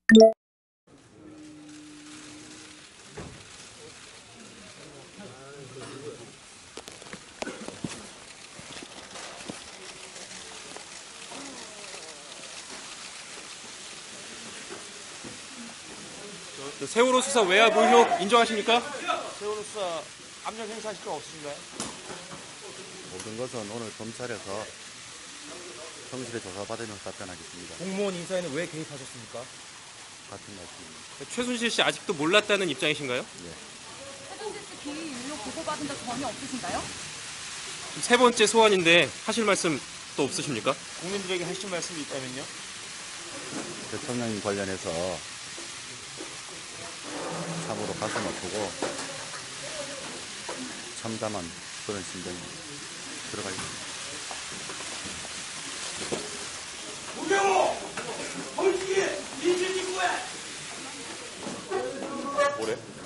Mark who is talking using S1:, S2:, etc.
S1: 세월호 수사 외압 의혹 인정하십니까?
S2: 세월호 수사 압력 행사하실 건 없으신가요?
S3: 모든 것은 오늘 검찰에서 성실히 조사받으면서 답변하겠습니다.
S4: 공무원 인사에는 왜 개입하셨습니까?
S3: 같은 말씀입니다.
S1: 최순실 씨 아직도 몰랐다는 입장이신가요?
S3: 예.
S5: 최순실 씨 비위 의혹 보고받은 적 전혀 없으신가요?
S1: 세 번째 소환인데 하실 말씀 또 없으십니까?
S2: 국민들에게 하실 말씀이 있다면요?
S3: 대통령 관련해서 참으로 가슴 아프고 참담한 그런 심정이 들어가 있습니다.
S2: 뭐래?